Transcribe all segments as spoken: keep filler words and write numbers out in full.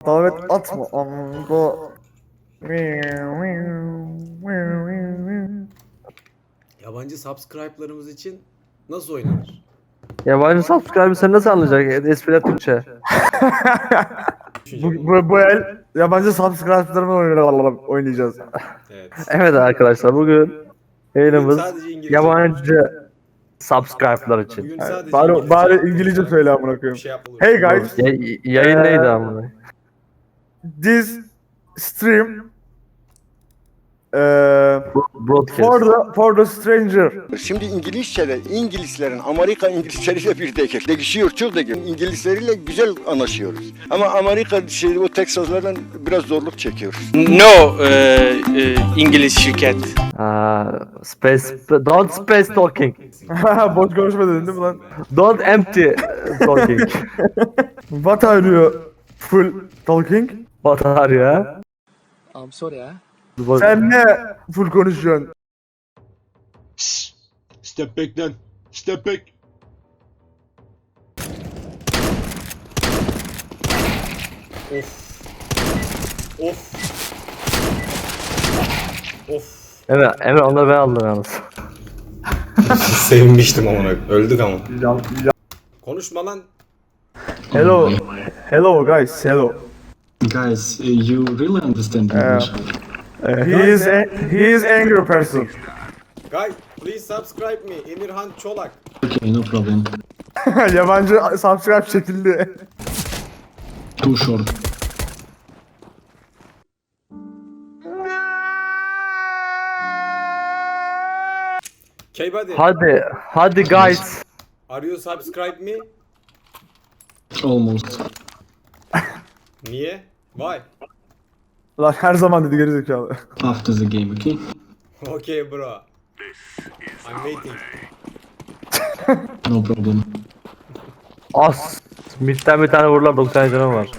Davet atma amgo. Yabancı subscribe'larımız için nasıl oynanır? Yabancı subscriber sen nasıl anlayacak? Espriler Türkçe. Bu, bu, bu el yabancı subscribe'larımı oynayacağız. Evet. Evet arkadaşlar bugün yayınımız Sadece İngilizce. yabancı subscriber'lar için. Bugün sadece Bari, İngilizce. bari İngilizce söyle amına Bir koyayım. şey yapalım. Hey guys, Ya- yayın neydi amına? this stream uh, Broadcast. for the for the stranger. Şimdi İngilizce'de İngilizlerin Amerika İngilizleriyle bir değil. Değişiyor çok değil. İngilizleriyle güzel anlaşıyoruz. Ama Amerika şey, o Teksaslardan biraz zorluk çekiyoruz. No, e, e, İngiliz şirket. Aa, space, don't space talking. Boş konuşma dedin değil mi lan? Don't empty talking. What are you full talking? What are you? I'm sorry ha. Sen ne full konuşuyorsun? Step back then. Step back. Of. Of. Evet, Emre onları ben aldım yalnız. Sevinmiştim ama öldük ama. Konuşma lan. Hello, hello guys, hello. Guys, uh, you really understand English? Uh, he is a, he is angry person. Guys, please subscribe me. Emirhan Çolak. Okay, no problem. Yabancı subscribe çekildi. Too short. K-Buddy. Hadi, hadi guys. Are you subscribe me? Almost. Niye? Why? Lan her zaman dedi gerizekalı. After the game, okay? Okay bro. I'm waiting. No problem. As. Mid'den bir tane vururlar doksan canım var.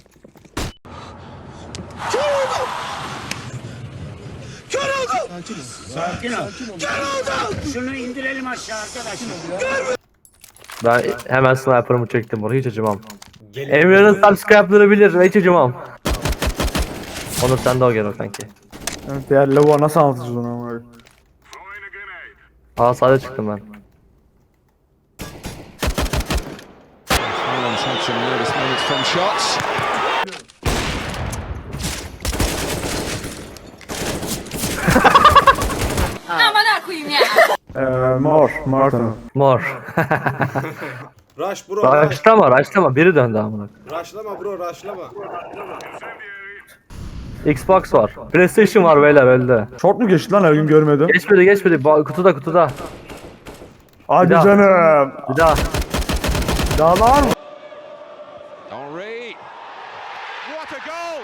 Şunu indirelim aşağı arkadaşlar. Ben hemen sniper'ımı çektim oraya hiç acımam. Gelin. Emre'nin subscribe'ları bilir hiç acımam. Onu sen de o gel o kanki. Evet ya lavuğa nasıl anlatacağız onu ama. Aa sade çıktım ben. Aman koyayım ya. Eee mor, mor tanı. Mor. Rush bro. Rush. Raşlama raşlama biri döndü amına. Rushlama bro rushlama. Xbox var. PlayStation var beyler öldü. Short mu geçti lan her gün görmedim. Geçmedi geçmedi Ba- kutuda kutuda. Hadi Bir daha. canım. Bir daha. Dağlar mı? Henri. What a goal!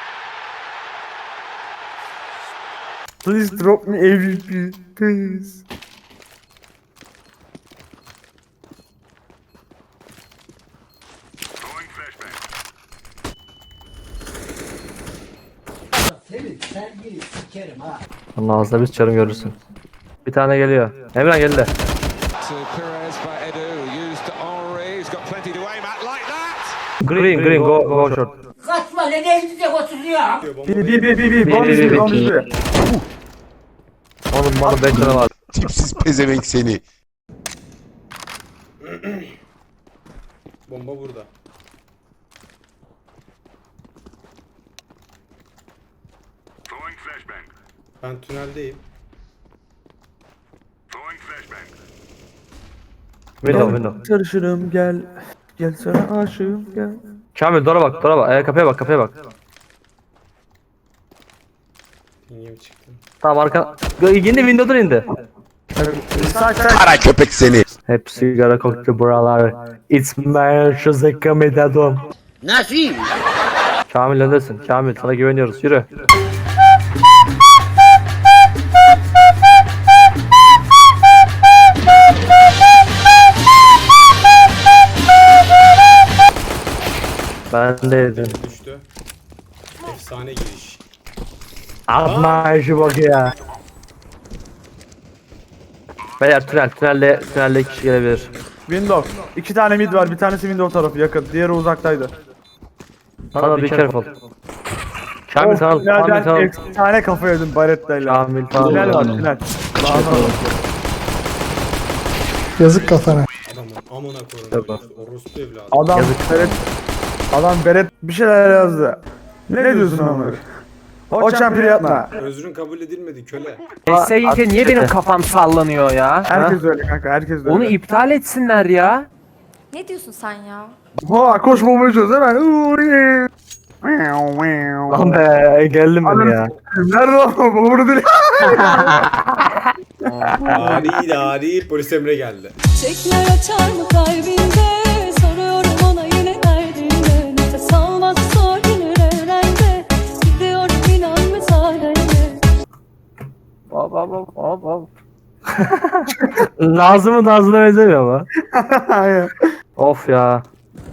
Please drop me M V P, please. Onun ağzına biz çarım görürsün. Bir tane geliyor. Emre geldi. To Perez by Edu, used to Henri, he's got plenty to aim at like that. Green green go go short. Kaçma ne elinize oturuyor. Bir bir bir bir bir. Bir, Bomb bir, bir bir, bomb bir. bir. Onun bana beş tane var. Tipsiz pezevenk seni. Bomba burada. Ben tüneldeyim. Window window. Sarışınım gel. Gel sana aşığım gel. Kamil dora bak dora bak. Ee, kapıya bak kapıya bak. Pingim çıktı. Tamam arka. İndi window'dan indi. Sak sak. Kara köpek seni. Hep sigara koktu buralar. It's my şuzeka medadom. Nasıl? Kamil öndesin. Kamil sana güveniyoruz. Yürü. Ben de yedim. Düştü. Efsane giriş. Atma işi bak ya. Beyler tünel, tünelle, tünelle iki kişi gelebilir. Window. İki tane mid var. Bir tanesi window tarafı yakın. Diğeri uzaktaydı. Sana be careful. Şamil Of, sana, tünelden Şamil sana. efsane kafa yedim Baretta'yla. Şamil sana. Tünel var Aynen. tünel. Yazık kafana. Adamın amına koyayım. Yok. Orospu evladı. Adam Yazık. Beret, adam Beret bir şeyler yazdı. Ne, diyorsun Ömer? O çempiri yapma. Özrün kabul edilmedi köle. Essayince niye benim kafam sallanıyor ya? Herkes öyle kanka, herkes öyle. Onu iptal etsinler ya. Ne diyorsun sen ya? Ha koşmamaya çalış hemen. Lan be geldim ben ya. Nerede o? Bunu değil. Dari dari polis Emre geldi. Çiçekler açar mı kalbinde? Soruyorum ona yine derdinde. Nefes almaz zor gelir evrende. Gidiyorum inan müsaadenle. Hop hop hop hop hop. Nazım'ın Nazlı'na benzemiyor ama. Hayır. Of ya.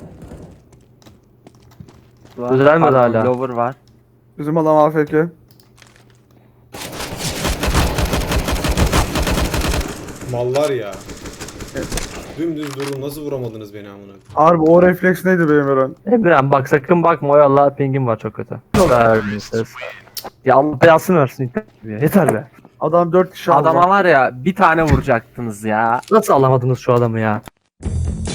Düzelmedi hala. Lover var. Bizim adam A F K. Mallar ya. Dümdüz durun nasıl vuramadınız beni amına? Harbi o refleks neydi benim Eren? Emre'm bak sakın bakma o Allah pingim var çok kötü. Vermişsiniz. Ya Allah belasını versin ya. Yeter be. Adam dört kişi aldı. Adama var ya bir tane vuracaktınız ya. Nasıl alamadınız şu adamı ya?